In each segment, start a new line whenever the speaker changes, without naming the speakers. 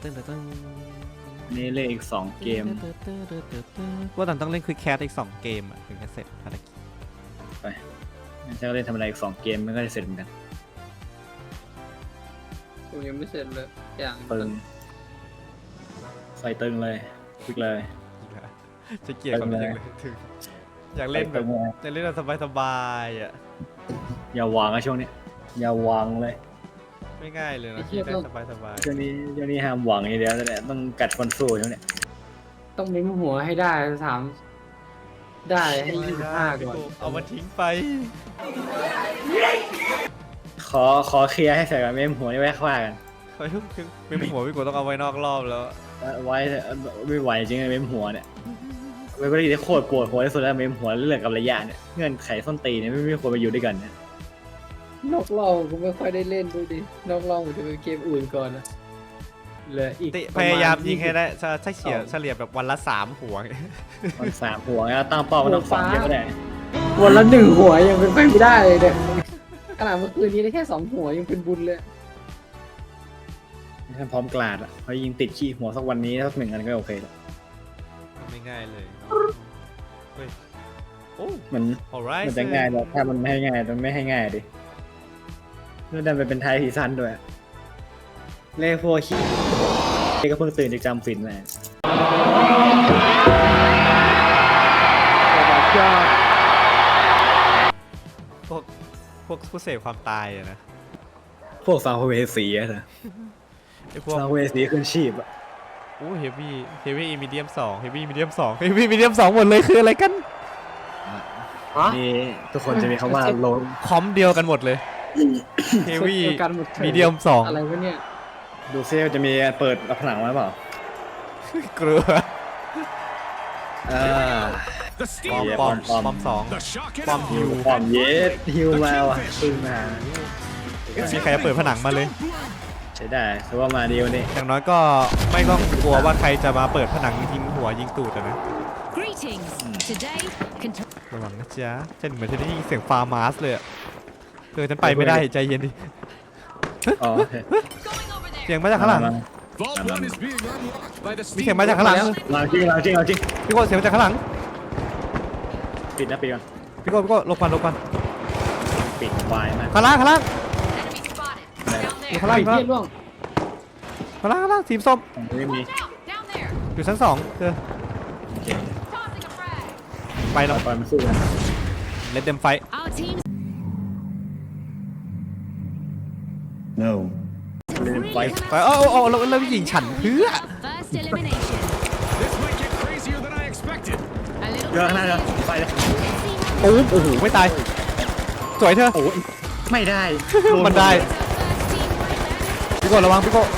นี่เล่นอีก2เกม
ว่าต้องเล่นควิกแคสอีก2เกมอ่ะถึงจะเสร็จภารกิจ
ไปงั้นจะเล่นทำอะไรอีก2เกมมันก็จะเสร็จเหมือนกัน
ผมยังไม่เสร็จเลยอย่าง
ตึงใส่ตึงเลยคลิกเลย
จะเกลียดกับมันยังเลยถึงอยากเล่นแบบจะเล่นแบบสบายๆอ่ะ
อย่าวางนะช่วงนี้อย่าวางเลย
ไม่ง่ายเลยนะที่ได้สบายๆ
ช่วงนี้ห้ามหวังอย่างเดียวเลยต้องกัดฟันสู้ช่วงนี้
ต้องมิ้มหัวให้ได้ถามได้ให้25ก่อน
เอามาทิ้งไป
ขอเคลียร์ให้เสร็จก่อนเมมหัวนี่ไว้ค่ากัน
ไม่หัวพี่กูต้องเอาไว้นอกรอบแล้ว
ไว้ไม่ไหวจริงๆเมมหัวเนี่ยเว็บที่โคตรปวดหัวที่สุดแล้วเมมหัวเรื่องกับระยะเนี่ยเงื่อนไขส้นตีนเนี่ยไม่ควรไปอยู่ด้วยกันเนี่ย
นอกรอบกูไม่ค่อยได้เล่นดูดินอกรอบผมจะเป็นเกมอื่นก่อนนะเหลืออีก
พยายามยิงให้ได้ถ้าเฉลี่ยแบบวันละ3 หัว
มัน3 หัวแล้วตั้งเป้ามันต้อง2เยอะก็ได้
วันละ1 หัวยังเป็นไปไม่ได้เลยเนี่ยขนาดเมื่อคืนนี้ได้แค่2 หัวยังเป็นบุญเลย
ท่านพร้อมกลาดอ่ะพอยิงติดขี้หัวสักวันนี้สัก1 อันก็โอเคแล้ว
ไม่ง่ายเลยเฮ้ยโอ้
มันจะง่ายแต่ถ้ามันไม่ให้ง่ายมันไม่ให้ง่ายดิเรื่องดันไปเป็นไทยซีซั่นด้วยเล่พวกขี้ก็เพิ่งตื่นจากจำฝิ่นมา
พวกผู้เสพความตายอะนะ
พวกซาวเวสีอะนะ
ไอพวก
ซาวเวสีขึ้นชีพอะ
โอ้เฮฟวี่มีเดียม2เฮฟวี่มีเดียม2เฮฟวี่มีเดียม2หมดเลยคืออะไรกัน
นี่ทุกคนจะมีคำว่าโล
คอมเดียวกันหมดเลยเฮฟวี่มีเดียม2
อะไรวะเนี่ย
ดูเซลจะมีเปิดผนังไว้เปล่า
เกลือ
ปอม
2ปอมฮิว
ปอมเยสฮิวมาว่ะพึ่งมา
มีใครจะเปิดผนังมาเลย
ใช้ได้ถือว่ามาดีวันนี้
อย่างน้อยก็ไม่ต้องกลัวว่าใครจะมาเปิดผนังยิงหัวยิงตูดนะระวังนะจ๊ะฉันเหมือนจะได้ยินเสียงฟาร์มาสเลยอะฉันไปไม่ได้ใจเย็นดิ
อ๋อ
เสียงมาจากข้างหลังมีเสียงมาจากข้างหลัง
เราจริง
พี่โก้เสียงมาจากข้างหลัง
ปิดนะปิดก่อน
พี่โก้หลบก่อน
ปิดไฟนะ
ข้างล่างอยู่ข้างล่าง
ไอ้เหี้ยร่วง
ทีมส้ม
ไม่มี
อยู่ชั้น2เธอไปแล้ว
ไฟมันสู้กัน
เลดเดมไฟ
no ไฟ
ไปแล้วยิงฉันเพื่อ
เยอะขนาดนั้นไฟเลย
โอ้โหไม่ตายสวยเธอ
โอ้ยไม่ได้
มันได้พี่โก้ระวังพี่โก้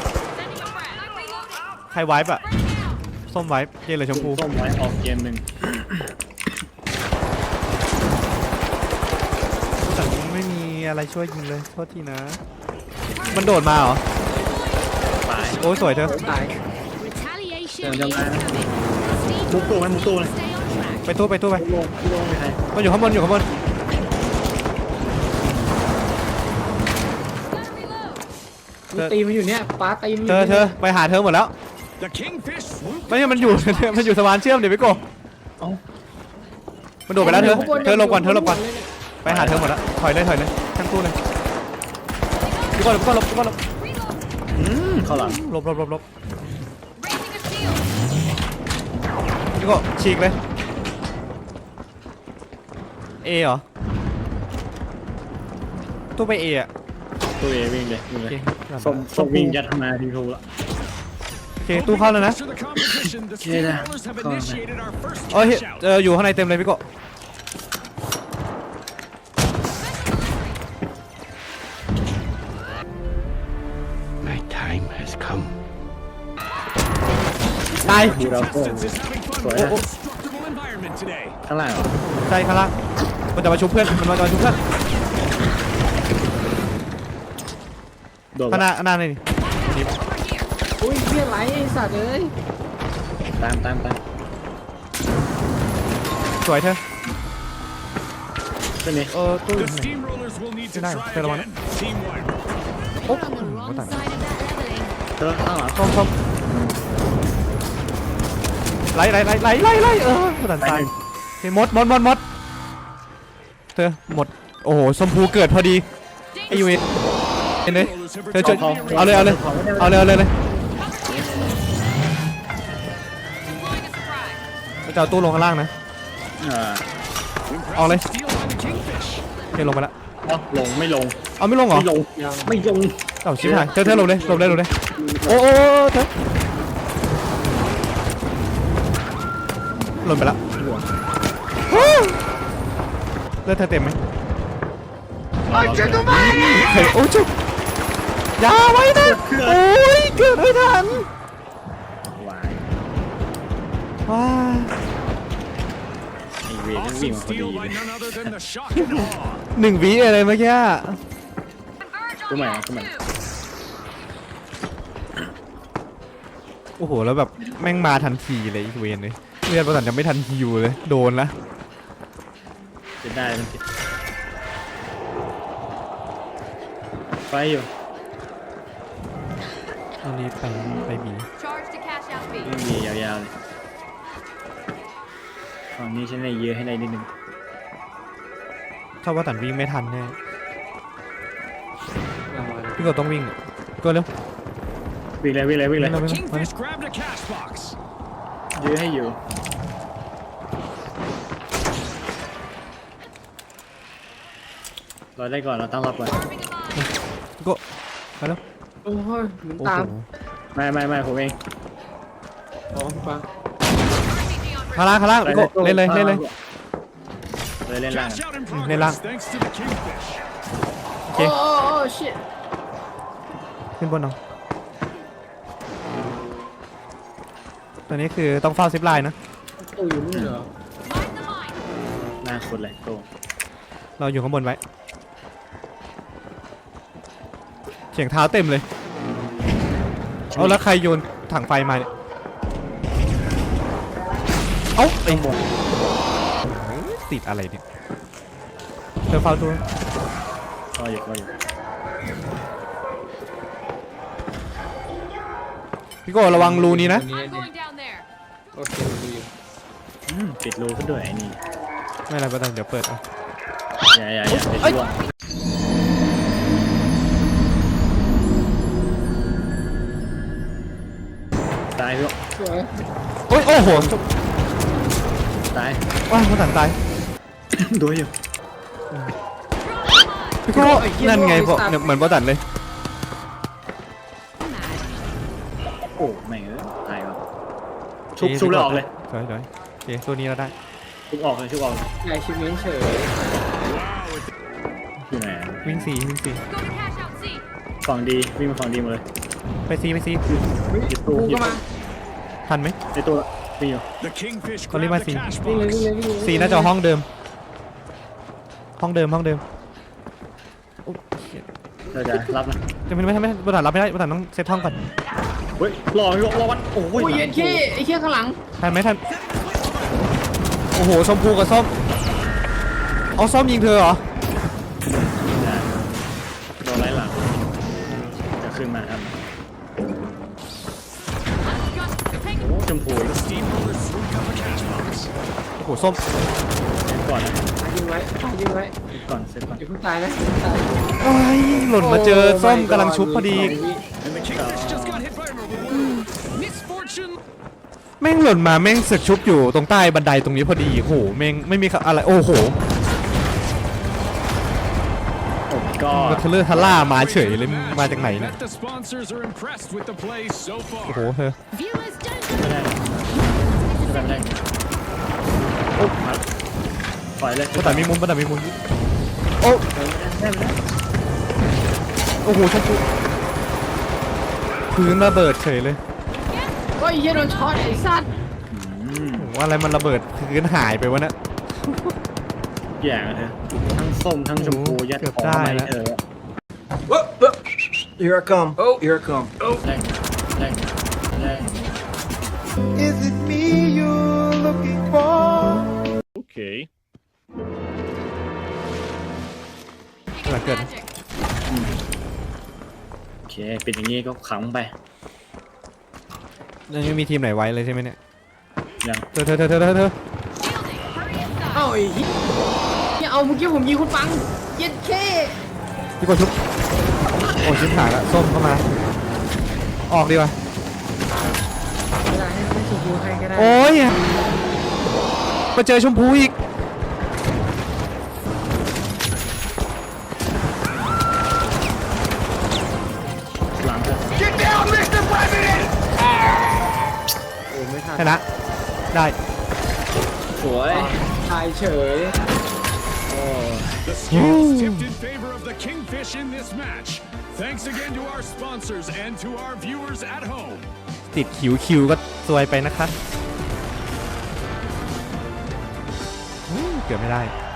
ใครไวป์อะส้มไวป์เย็นเลยชมพู
ส้มไว้ออกเกมหนึ่ง
แต่ไม่มีอะไรช่วยยิงเลยโทษทีนะมันโดดมาเหรอ
ตาย
โอ้ยสวยเธอ
ตาย
มุกตู้ไหมมุกตู้เลย
ไปตู้ไป
ลงไปใคร
มันอยู่ข้างบน
ตีมันอยู่เนี่ยป้าตีมัน
เธอไปหาเธอหมดแล้วไม่ใช่มันอยู่ มันอยู่สะพานเชื่อมเดี๋ยวพี่โก้มันโดดไปแล้วเธอหลบก่อนไปหาเธอหมดแล้วถอยเลยทั้งตู้เลยพี่โก้หลบ
เข้าหลัง
หลบพี่โก้ฉีกเลยเอเหรอตู้ไปเออะ
ตัวเอวิ่งเลย
โอเค
ส้มวิ่งยัดมาทีทูละ
โอเคตู้เข้าแล้วนะ
โอเคนะเข้าแล้ว
เอ้ยอยู่ข้างในเต็มเลยพี่โก้
My time has come.
ตาย
ดูเราโก้สวยนะข้างล่างเหรอ
ใช่ข้างล่างมันจะมาชุบเพื่อน
โดน
ข้างหน้านี่
อุ้ยเหี้ยไหลไอ้สัตว์เอ้ย
ตาม
สวยเธอ
ตัวนี้
ตู้ไม่ได้เธอระวังนะโอ้โหตาย
เธอข้างหลัง
ส้มไล่ตันตายเฮ้ยมดเธอหมดโอ้โหชมพูเกิดพอดีไอยูเอ็นเลยเธอช่วยเอาเลยเราจะเอาตู้ลงข้างล่างนะเอาเลยเธอลงไปแล้ว
ลงไม่ลง
เอาไม่ลงเหรอ
ไม่ลง
เอาชิบหายเธอลงเลยโอ้เธอหล่นไปแล้วเลือดเธอเต็มไหมเฮ้ยโอ้จุ๊บอย่าไว้นะโอ้ยเกิดไม่ทัน
วาย
ว้า
ไอเวรนั่งวิ่งมาพอดีเลย
1 วิอะไรเมื่อกี้
กูใหม่กูใหม่
โอ้โหแล้วแบบแม่งมาทันทีเลยอีกเวนเลยเลือดประสันจะไม่ทันฮิวเลยโดนละ
จะได้มันผิดไฟอยู่
ตอนนี้ไปบี
Charge to cash out fee.
ไม่มียาวๆเลยฝั่งนี้ฉันได้เยอะให้ได้นิดนึง
ชอบว่าตันวิ่งไม่ทันแน่
เอามาเลย
พี่กดต้องวิ่งก็เร็ว
วิ่งเลย
เร็ว
Kingfish grabbed a cash box.
เยอะให้อยู่รอได้ก่อนเราตั้งรับก่อน
ก็มาเร็ว
โอ้ยหมุน
โอ้
ตาม
โห
ไม่ผมเอง
อ๋อฟัง
ข้างล่างพี่กเล่นเลย
เล่นล่าง
Cash out in
Lên lang.
progress thanks to the Kingfish.
โอเค
โอ้ชิต
ขึ้นบนเอาตอนนี้คือต้องเฝ้าซิปไลน์นะ
ตู้อยู่นู่นเหรอ
Mind the line.
หน้าคนเลยโต
เราอยู่ข้างบนไว้เสียงเท้าเต็มเลยเอาแล้วใครโยนถังไฟมาเนี่ยเอ้าไอ้ติดอะไรเนี่ยเธอเฝ้าตัว
รออยู่
พี่โก้ระวังรูนี้นะ
I'm going down there.
โอเคดูอยู่
ปิดรูก็ด้วยไอ้นี่
ไม่อะไรก็ได้เดี๋ยวเปิดเอา
อย่าปิดรูตายพี่
สวย
โอ้โห
ตาย
ว้าวมันตันตาย
ดูอยู่
พี่โก้นั่นไงบอกเนี่ยเหมือนบอตันเลย
โอ้แม่งตายวะชุบแล้วออกเลย
ถอยโอเคตัวนี้เราได้
ชุบออกเลย
ใหญ่ชิมเมนเฉย
อยู่ไหน
วิ่งสี่
Go to cash out C.
ฝั่งดีวิ่งมาฝั่งดีมาเลย
ไปซี
หยิบตู้
กูก็มา
ทันไหม
ในตัววิ่งอยู่
The Kingfish
Con đi
grabbed the
mà xì.
cash
วิ่งเลย
box.
วิ่งเลยวิ่งเลย
ซีน่าจะห้องเดิมโอ้เหี้ย
เธอจะรับนะ
จะไม่บอตันรับไม่ได้บอตันต้องเซตห้องก่อน
เฮ้ยรอวัดโอ้
โอ้ยเย็นขี้ไอ้เขี้ยข้างหลัง
ทันไหมทันโอ้โหชมพูกับส้มเอาส้มยิงเธอเหรอ
โดนไล่หลังจะขึ้นมาครับ
Take
โอ้ชมพู
Steamroller swooped up a cash box.
โอ้โหส้ม
ก่อนนะ
ยิงไว้ยิงไว้
ก่อนเซตก่อน
อย่าเพิ่งตายนะอย่าเพิ่งตาย
โอ้ยหล่นมาเจอส้มกำลังชุบพอดี
And the Kingfish just got hit by a misfortune.
แม่งหล่นมาแม่งเสือกชุบอยู่ตรงใต้บันไดตรงนี้พอดีโอ้โหแม่งไม่มีอะไรโอ้โห
โอ้ก็
มาเทเลอร์ทาร่ามาเฉยเลยมาจากไหนเนี่ย
Bet the sponsors are impressed with the play so
โอ้โห
far.
เธอ
View is done.
ไม่ได้โอ้มาปล่อยเลย
บอตันมีมุมโอ้โอ้โหชมพูพื้นระเบิดเฉยเลย
โอ้ยเหี้ยโดนช็อตไอ้สัตว์
โอ้โหอะไรมันระเบิดพื้นหายไปวะเนี่ย
แย่เธอทั้งส้มทั้งชมพูยัดของมาให้เธอ
Here I come. Oh, here I come.
แรง
Is it me you're looking for?
Okay.
หลังเกิด
Magic.
โอเคปิดอย่างงี้ก็ขังไป
ยังไม่มีทีมไหนไว้เลยใช่ไหมเนี่ย
ยัง
เธอ
Shielding. Hurry inside.
เอ้าไอ้เหี้ยเนี่ยเอาเมื่อกี้ผมยิงคุณปังเย็ดแค่
พี่กดชุบโอ้ชิบหายละส้มเข้ามา ออกดีกว่า
เวลาให้ชมพูให้ก็ได้
โอ้ยมาเจอชมพูอีก
หลังเถอะ
Get down, Mr. President!
โอ้ไม่ทัน
ชนะ ได้
สวย
ตายเฉย
The scales tipped in favor of the Kingfish in this match. Thanks again to our sponsors and to our viewers at home.
ติดคิวก็ซวยไปนะคะเกือบไม่ได้